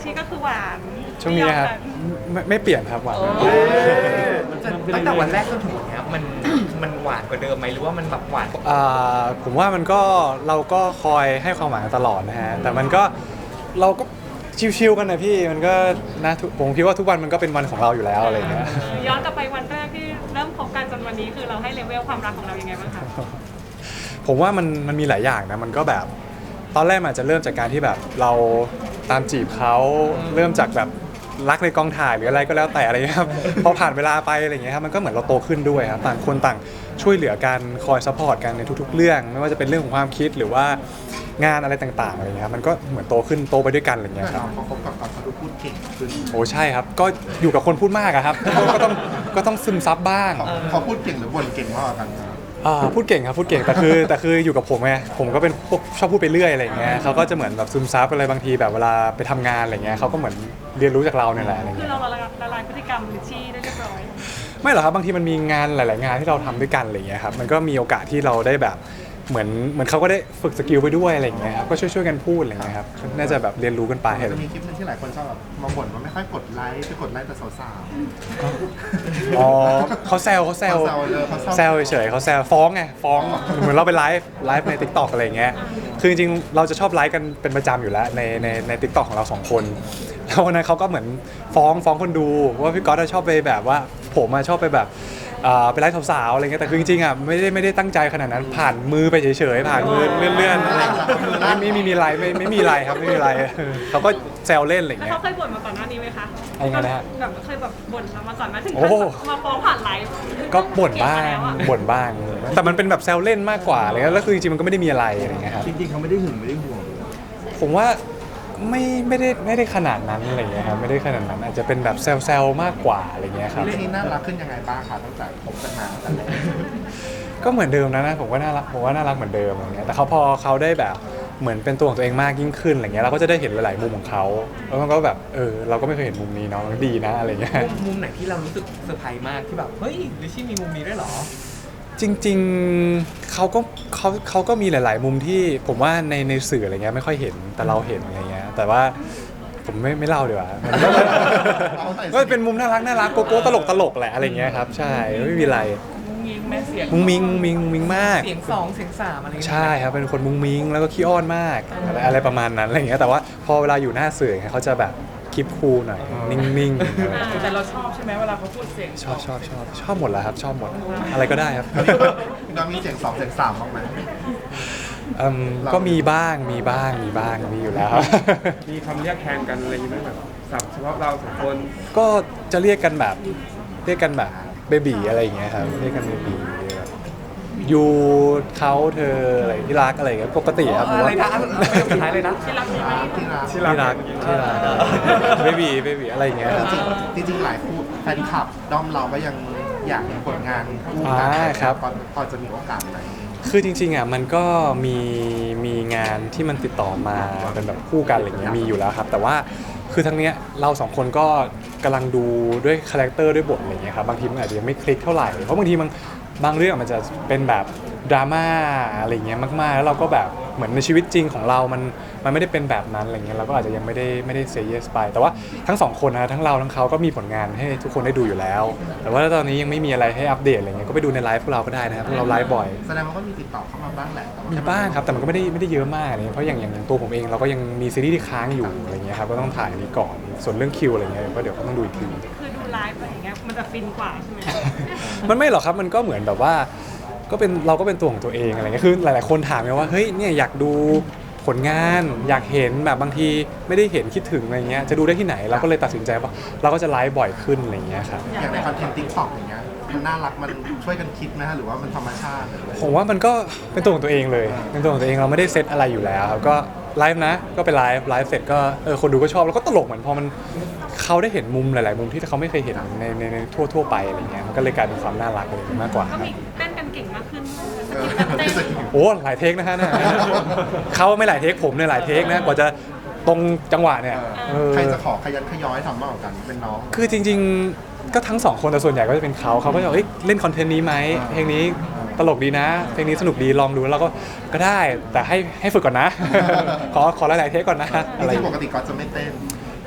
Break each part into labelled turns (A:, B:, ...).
A: นี้ก็คือหวาน
B: ช่วงนี้ครับไม่เปลี่ยนครับหวานไม่เปลี่ยน
C: ตั้งแต่วันแรกจนถึงวันนี้มันหวานกว่าเดิมไหมหรือว่ามันแบบหวาน
B: ผมว่ามันก็เราก็คอยให้ความหวังตลอดนะฮะแต่มันก็เราก็ชิวๆกันนะพี่มันก็นะผมคิดว่าทุกวันมันก็เป็นวันของเราอยู่แล้วอะไรอย่างเงี้ย
A: ย้อนกลับไปวันแรกที่เริ่มคบกันจนวันนี้คือเราให้เลเวลความรักของเรายังไงบ้างคะ
B: ผมว่ามันมีหลายอย่างนะมันก็แบบตอนแรกมันอาจจะเริ่มจากการที่แบบเราตามจีบเขาเริ่มจากแบบรักในกองถ่ายหรืออะไรก็แล้วแต่อะไรเงี้ยครับ พอผ่านเวลาไปอะไรเงี้ยครับมันก็เหมือนเราโตขึ้นด้วยครับต่างคนต่างช่วยเหลือกันคอยซัพพอร์ตกันในทุกๆเรื่องไม่ว่าจะเป็นเรื่องของความคิดหรือว่างานอะไรต่างๆอะไรเงี้ยครับมันก็เหมือนโตขึ้นโตไปด้วยกันอะไรเงี้ยครับ
D: พอคบกับเขาดูพูดเก่งขึ้น
B: โอ้ใช่ครับก็อยู่กับคนพูดมากอะครับ ก็ต้องซึมซับบ้าง
D: เขาพูดเก่งหรือบ่นเก่งมากกว่ากันครับ
B: พูดเก่งครับพูดเก่งแต่คืออยู่กับผมไงผมก็เป็นพวกชอบพูดไปเรื่อยอะไรอย่างเงี้ยเขาก็จะเหมือนแบบซึมซับอะไรบางทีแบบเวลาไปทำงานอะไรเงี้ยเขาก็เหมือนเรียนรู้จากเราเนี่ยแหละอะไร
A: คือ
B: เงี้ย
A: เราละลายพฤติกรรมลิชชี่ได้เรียบร้อย
B: ไม่หรอกครับบางทีมันมีงานหลาย ๆ งานที่เราทำด้วยกันอะไรเงี้ยครับมันก็มีโอกาสที่เราได้แบบเหมือนเขาก็ได้ฝึกสกิลไปด้วยอะไรอย่างเงี้ยครับก็ช่วยกันพูดอะไรเงี้ยครับน่าจะแบบเรียนรู้กันไป
D: จะมีคลิปนึงที่หลายคนชอบแบบมาบ่นว่าไม่ค่อยกดไลค์ไปกดไลค์แต่สาว
B: อ๋อเขาแซว
D: เขาแซวเลยเขา
B: แซวเฉยๆเขาแซวฟ้องไงฟ้องเหมือนเราไปไลฟ์ใน TikTok อะไรเงี้ยคือจริงๆเราจะชอบไลฟ์กันเป็นประจำอยู่แล้วใน TikTok ของเราสองคนแล้ววันนั้นเขาก็เหมือนฟ้องคนดูว่าพี่ก๊อตชอบไปแบบว่าผมชอบไปแบบไปไลฟ์สาวๆอะไรเงี้ยแต่คือจริงๆไม่ได้ตั้งใจขนาดนั้นผ่านมือไปเฉยๆผ่านมือเลื่อนๆอะไรไม่มีอะไรไม่มีอะไรครับไม่มีอะไรเขาก็แซวเล่นอะไร
A: แล้ว
B: เงี้ย
A: เขาเคยบ่นมาก่อนหน้านี้ไหมคะ
B: อะไรนะฮะ
A: แบบเคยแบบบ่นเรามาก่อนไหมถึง
B: โอ้
A: ขั้นมาฟ้องผ่านไลฟ์
B: ก็บ่นบ้าง
A: เกลียดมแล้วอะ
B: บ่นบ้างแต่มันเป็นแบบแซวเล่นมากกว่าอะไรเงี้ยแล้วคือจริงๆมันก็ไม่ได้มีอะไรอะไรเงี้ยครับ
D: จริงๆเขาไม่ได้หึงไม่ได้ห่วง
B: ผมว่าไม่ได้ขนาดนั้นอะไรเงี้ยครับไม่ได้ขนาดนั้นอาจจะเป็นแบบแซวๆมากกว่าอะไรเงี้ยครับ
D: เรื่องนี้น่ารักขึ้นยังไงบ้างคะตั้งแต่คบกันมาตั้งแต่แรก
B: ก็เหมือนเดิมนะผมว่าน่ารักเหมือนเดิมอะไรเงี้ยแต่พอเขาได้แบบเหมือนเป็นตัวของตัวเองมากยิ่งขึ้นอะไรเงี้ยเราก็จะได้เห็นหลายๆมุมของเขาแล้วมันก็แบบเราก็ไม่เคยเห็นมุมนี้เนาะมันก็ดีนะอะไรเงี้ย
C: มุมไหนที่เรารู้สึกเซอร์ไพรส์มากที่แบบเฮ้ยลิชชี่มีมุมนี้ด้วยเหรอ
B: จริงๆเขาก็มีหลาย ๆ มุมที่ผมว่าในสื่ออะไรเงี้ยไม่ค่อยเห็นแต่เราเห็นอะไรเงี้ยแต่ว่าผมไม่เล่าดีกว่ามันก็เป็นมุมน่ารักโกโก้ตลกแหละอะไรเงี้ยครับใช่ไม่มีอะไร
C: มุ้งมิ้งแม่เสียง
B: มุ้งมิงมาก
C: เสียงสองเสียงสามอะไรอย่างเงี้ย
B: ใช่ครับเป็นคนมุ้งมิงแล้วก็ขี้อ้อนมากอะไรประมาณนั้นอะไรเงี้ยแต่ว่าพอเวลาอยู่หน้าสื่อเขาจะแบบคลิปคูลหน่อยนิ่งๆ
C: แต่เราชอบใช่ไหมเวลาเขาพูดเสียง
B: ชอบหมดแล้วครับชอบหมดอะไรก็ได้ครับ
D: เรามีเสียงสองเสียงสามบ้างไหม
B: ก็มีบ้างมีอยู่แล้วครับ
E: มีคำเรียกแทนกันอะไรอย่างเงี้ยไหมแบบศัพท์เฉพาะเราสองคน
B: ก็จะเรียกกันแบบเบบีอะไรอย่างเงี้ยครับเรียกกันเบบียูเขาเธออะไรที่รักอะไรอย่างเงี้ยปกติครับผม
C: อะไร
B: ว่า
C: นะไม่ต้องสุดท้ายเลยนะ
A: ที่รักมีไหม
D: ที่รัก
B: ที่รักเบบีอะไรอย่างเงี้ยครับ
D: จริงๆหลายคู่แฟนคลับด้อมเราก็ยังอยากเห็นผลงานคู่กั
B: ครับ
D: พอจะมีโอกาสไหม
B: คือจริงๆมันก็มีงานที่มันติดต่อมาเป็นแบบคู่กันอะไรเงี้ยมีอยู่แล้วครับแต่ว่าคือทั้งเนี้ยเราสองคนก็กำลังดูด้วยคาแรคเตอร์ด้วยบทอะไรเงี้ยครับบางทีมันอาจจะยังไม่คลิกเท่าไหร่เพราะบางทีบางเรื่องมันจะเป็นแบบดราม่าอะไรเงี้ยมากๆแล้วเราก็แบบเหมือนในชีวิตจริงของเรามันไม่ได้เป็นแบบนั้นอะไรเงี้ยเราก็อาจจะยังไม่ได้เซย์เยสไปแต่ว่าทั้งสองคนนะทั้งเราทั้งเขาก็มีผลงานให้ทุกคนได้ดูอยู่แล้ว แต่ว่าตอนนี้ยังไม่มีอะไรให้อัปเดตอะไรเงี้ยก็ไปดูในไลฟ์พวกเราก็ได้นะครับพวกเราไลฟ์บ่อย
D: แสดงว่าก็มีติดต่อเข้ามาบ้างแหละแต่ว่
B: มีบ้างครับแต่มันก็ไม่ได้เยอะมากอะไรเงี้ยเพราะอย่างตัวผมเองเราก็ยังมีซีรีส์ที่ค้างอยู่อะไรเงี้ยครับก็ต้องถ่ายอันนี้ก่อนส่วนเรื่องคิวอะไรเงี้ยก็เดี๋ยวก็ต้องดูอีกที
A: คือดูไลฟ์อะไรอย่างเงี้ยมันจะฟินกว่าใช่ไหม
B: มันไม่หรอกครับมันก็เหมือนแบบว่าเราก็เป็นตัวของตัวเองอะไรเงี้ยคือหลายๆคนถามไงว่าเฮ้ยเนี่ยอยากดูผลงานอยากเห็นแบบบางทีไม่ได้เห็นคิดถึงอะไรเงี้ยจะดูได้ที่ไหนเราก็เลยตัดสินใจว่าเราก็จะไลฟ์บ่อยขึ้นอะไรเงี้ยครับ
D: อย่างในคอนเทนต์ติ๊กต็อกอย่างเงี้ยมันน่ารักมันช่วยกันคิดไหมฮะหรือว่ามันธรรมชาติหรืออะไร
B: ผมว่ามันก็เป็นตัวของตัวเองเลยเป็นตัวของตัวเองเราไม่ได้เซตอะไรอยู่แล้วครับก็ไลฟ์นะก็ไปไลฟ์เสร็จก็คนดูก็ชอบแล้วก็ตลกเหมือนพอมันเขาได้เห็นมุมหลายๆมุมที่เขาไม่เคยเห็นในทั่วไปอะไรเงี้ยมันก็เลยกลายเป็นความน่ารักอะไรมากกว่าค
A: ก็
B: รับ
A: มีเต้นกันเก่งมากขึ้น
D: เออ
B: โอ้หลายเทคนะฮะเนี่ยเขาไม่หลายเทคผมเนี่ยหลายเทคนะกว่าจะตรงจังหวะเนี่ย
D: ใครจะขอขยันขย้อยทำมากกว่ากันเป็นน้อง
B: คือจริงๆก็ทั้งสองคนแต่ส่วนใหญ่ก็จะเป็นเขาก็จะบอกเล่นคอนเทนต์นี้ไหมเพลงนี้ตลกดีนะเพลงนี้สนุกดีลองดูแล้วเราก็ได้แต่ให้ฝึกก่อนนะ ขอหลายๆเทคก่อนนะ
D: จ
B: อะไร
D: ริงๆปกติก็จะไม่เต้น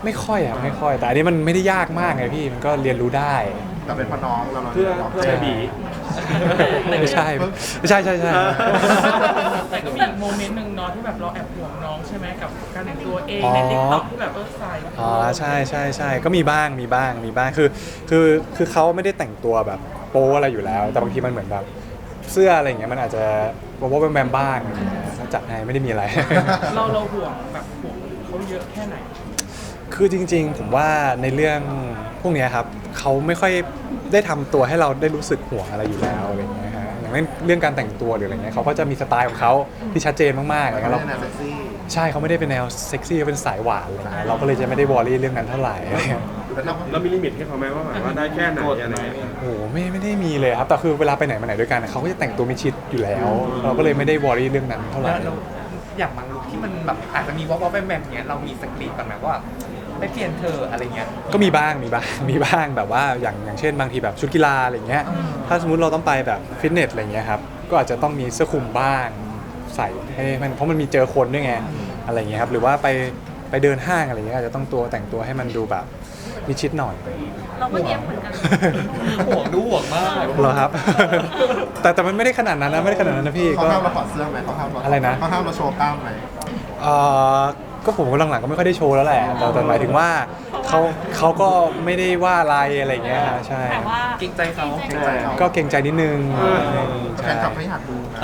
B: ไม่ค่อยอะไม่ค่อย แต่อันนี้มันไม่ได้ยากมากไงพี่มันก็เรียนรู้ได้
D: แต่เป็นพ่อน้องเรา
E: เพื่อ
D: น้อง
E: เพื่อ
B: ใช่
E: บี
B: ไม่ใช่ใช่
F: แต่ก็มีอีกโมเมนต์หนึ่งเนาะที่แบบเราแอบห่วงน้องใช่ไหมกับการแต่งตัวเองในติ๊กต็อกที่แบบใส่
B: อ๋อใช่ก็มีบ้างคือเขาไม่ได้แต่งตัวแบบโป๊อะไรอยู่แล้ว แต่บางทีมันเหมือนแบบเสื้ออะไรอย่างเงี้ยมันอาจจะโป๊แบมบ้างเขาจัดให้ไม่ได้มีอะไร
F: เราห่วงแบบห่วงเขาเยอะแค่ไหน
B: คือจริงๆผมว่าในเรื่องพวกเนี้ยครับเขาไม่ค่อยได้ทำตัวให้เราได้รู้สึกห่วงอะไรอยู่แล้วอะไรอย่างเงี้ยฮะอย่างเรื่องการแต่งตัวหรืออะไรเงี้ยเขาก็จะมีสไตล์ของเขาที่ชัดเจนมากๆอะไร
D: เขา
B: เงี้ย
D: เล่
B: เรา
D: นแนวเซ็กซี่
B: ใช่เขาไม่ได้เป็นแนวเซ็กซี่เขาเป็นสายหวานอะไรเงี้ยเราก็เลยจะไม่ได้วอรี่เรื่องนั้นเท่าไหร่อะไรเงี้ย
D: แล้วเรา
E: เรามีลิมิตให้เขาไหมว่าแบบว่าได้แค่ไหนอะไรเงี้ย
B: โอ้โหไม่ได้มีเลยครับแต่คือเวลาไปไหนมาไหนด้วยกันเขาก็จะแต่งตัวมิดชิดอยู่แล้ว เราก็เลยไม่ได้วอรี่เรื่องนั้นเท่าไหร่
C: แล้วอย่างบางลุคที่มันแบบอาจจะมีวอลแวมๆเงี้ยเรามีสกรีนก่อนไหมว่าไปเปลี่ยนเธออะไรเงี้ย
B: ก็มีบ้างแบบว่าอย่างเช่นบางทีแบบชุดกีฬาอะไรเงี้ยถ้าสมมุติเราต้องไปแบบฟิตเนสอะไรเงี้ยครับก็อาจจะต้องมีเสื้อคลุมบ้างใส่ให้มันเพราะมันมีเจอคนด้วยไงอะไรเงี้ยครับหรือว่าไปเดินห้างอะไรเงี้ยอาจจะต้องแต่งตัวให้มันดูแบบมิดชิดหน่อย
A: เราก็เย็บเหมือนกัน
C: ห่วงดูห่วงมาก
B: เหรอครับ แต่มันไม่ได้ขนาดนั้นนะไม่ได้ขนาดนั้นนะพี่
D: เขา
B: ก็
D: ห้ามเราถอดเสื้อไหมเขาห้ามเรา
B: อะไรนะ
D: เขาห้ามเราโชว์กล้ามไหม
B: เอ่อก็ผมหลังๆก็ไม่ค่อยได้โชว์แล้วแหละแต่หมายถึงว่าเขาก็ไม่ได้ว่าอะไรอะไรเงี้ยใช่
A: แต่ว่า
C: เกรงใจเขา
D: เกรงใจเขา
B: ก็เกรงใจนิดนึง
D: แฟ
B: ใช่
D: นคลับไม่อยากดูนะ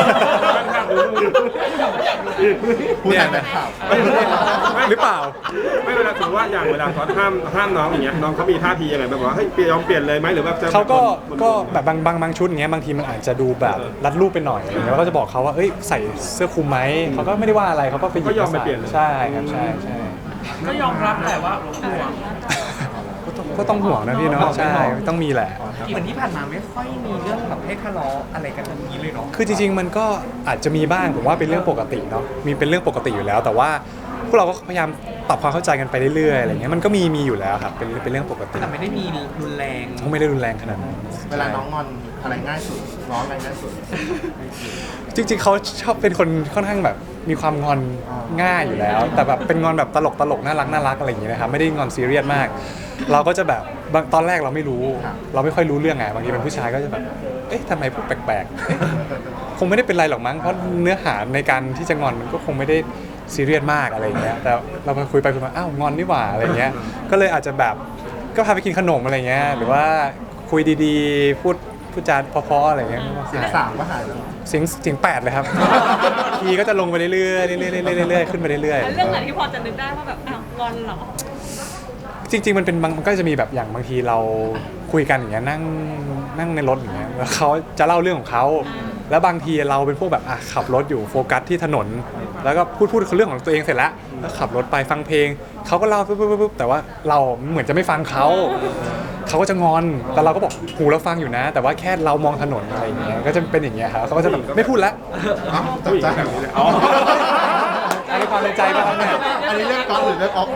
E: ไม่
D: พูดแทนแฟนคลับ
B: หรือเปล่า
E: ไม่เวลาถือว่าอย่างเวลาเขาห้ามน้องอย่างเงี้ยน้องเขามีท่าทียังไงแบบว่าเฮ้ยยอมเปลี่ยนเลยไหมหรือว่าจะ
B: เขาก็แบบบางชุดอย่างเงี้ยบางทีมันอาจจะดูแบบรัดรูปไปหน่อยอะไรเงี้ยเราก็จะบอกเขาว่าเอ้ยใส่เสื้อคลุมไหมเขาก็ไม่ได้ว่าอะไรเขาก็ไปหยิบ
E: ก็ยอม
B: มา
E: ไป
B: ใส่
E: เปลี่ยนเลย
B: ใช่ครับใช่
F: ก็ยอมรับแหละว่าห่วง
B: ก็ต้องห่วงนะพี่เนาะใช่ต้องมีแหละ
C: เหมือนที่ผ่านมาไม่ค่อยมีเรื่องแบบให้ทะเลาะอะไรกันแบบนี้เลยเนาะ
B: คือจริงๆมันก็อาจจะมีบ้างผมว่าเป็นเรื่องปกติเนาะมีเป็นเรื่องปกติอยู่แล้ว แต่ว่าพวกเราก็พยายามปรับความเข้าใจกันไปเรื่อยๆอะไรเงี้ยมันก็มีอยู่แล้วครับเป็นเรื่องปกติ
C: แต่ไม่ได้มีรุนแรง
B: คงไม่ได้รุนแรงขนาดนั้น
D: เวลาน้องงอนอะไรง่ายสุดน้องอะไรง่ายสุด
B: จริงๆเขาชอบเป็นคนค่อนข้างแบบมีความงอนง่ายอยู่แล้ว แต่แบบเป็นงอนแบบตลกน่ารักอะไรอย่างเงี้ยนะครับไม่ได้งอนซีเรียสมาก เราก็จะแบบตอนแรกเราไม่รู้ เราไม่ค่อยรู้เรื่องไงบางทีเป็นผู้ชายก็จะแบบเอ๊ะทำไมพูดแปลกๆเอ๊ะคงไม่ได้เป็นไรหรอกมั้งเพราะเนื้อหาในการที่จะงอนมันก็คงไม่ได้ซีเรียสมากอะไรอย่างเงี้ยแต่เราไปคุยไปคุยมาอ้าวงอนนี่หว่าอะไรเงี้ยก็เลยอาจจะแบบก็พาไปกินขนมอะไรเงี้ยหรือว่าคุยดีๆพูดจาเพราะๆอะไรเงี้ย
D: เสียงสามก็หายแล้ว
B: เสียง8เลยครับ คีย์ก็จะลงไปเรื่อยๆเรื่อยๆขึ้นไปเรื่อย
A: เรื่องไหนที่พอจะนึกได้ว่าแบบอ้าวงอนเหรอ
B: ๆจริงๆมันก็จะมีแบบอย่างบางทีเราคุยกันอย่างเงี้ยนั่งในรถอย่างเงี้ยแล้วเขาจะเล่าเรื่องของเขาแล้วบางทีเราเป็นพวกแบบขับรถอยู่โฟกัสที่ถนน แล้วก็พูดเรื่องของตัวเองเสร็จแล้วขับรถไปฟังเพลงเขาก็เล่าปุ๊บแต่ว่าเราเหมือนจะไม่ฟังเขาก็จะงอนแต่เราก็บอกหูเราฟังอยู่นะ แต่ว่าแค่เรามองถนนอะไรอย่างเงี้ยก็จะเป็นอย่างเงี้ยครับเขาก็จะแบบไม่พูดแล้ว
D: เอ้าจับ
E: ผู้หญิง
D: ใจ
E: แบบนี้เลยอ๋อ
B: อันนี้ความในใจป่ะครับเนี่ย
D: อันนี้เรียกก๊อฟหรือเรียกออฟ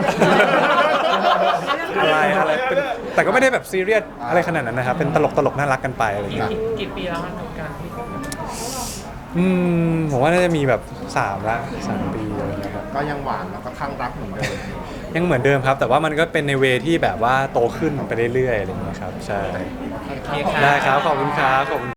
B: อะไรเป็นแต่ก็ไม่ได้แบบซีเรียสอะไรขนาดนั้นนะครับเป็นตลกน่ารักกันไปอะไรอย่างเงี้ย
F: กี่ปีแล้วคะกับการที่คบกัน
B: ผมว่าน่าจะมีแบบ3 ปีอะไรอย่างเงี้ยครับ
D: ก็ยังหวานแล้วก็ข้างรักเหมือนเดิม
B: ยังเหมือนเดิมครับ แต่ว่ามันก็เป็นในเวที่แบบว่าโตขึ้นไปเรื่อยๆอะไรอย่างเงี้ยครับใช่
C: โอเคค่ะ
B: ได้ครับขอบคุณครับขอบคุณ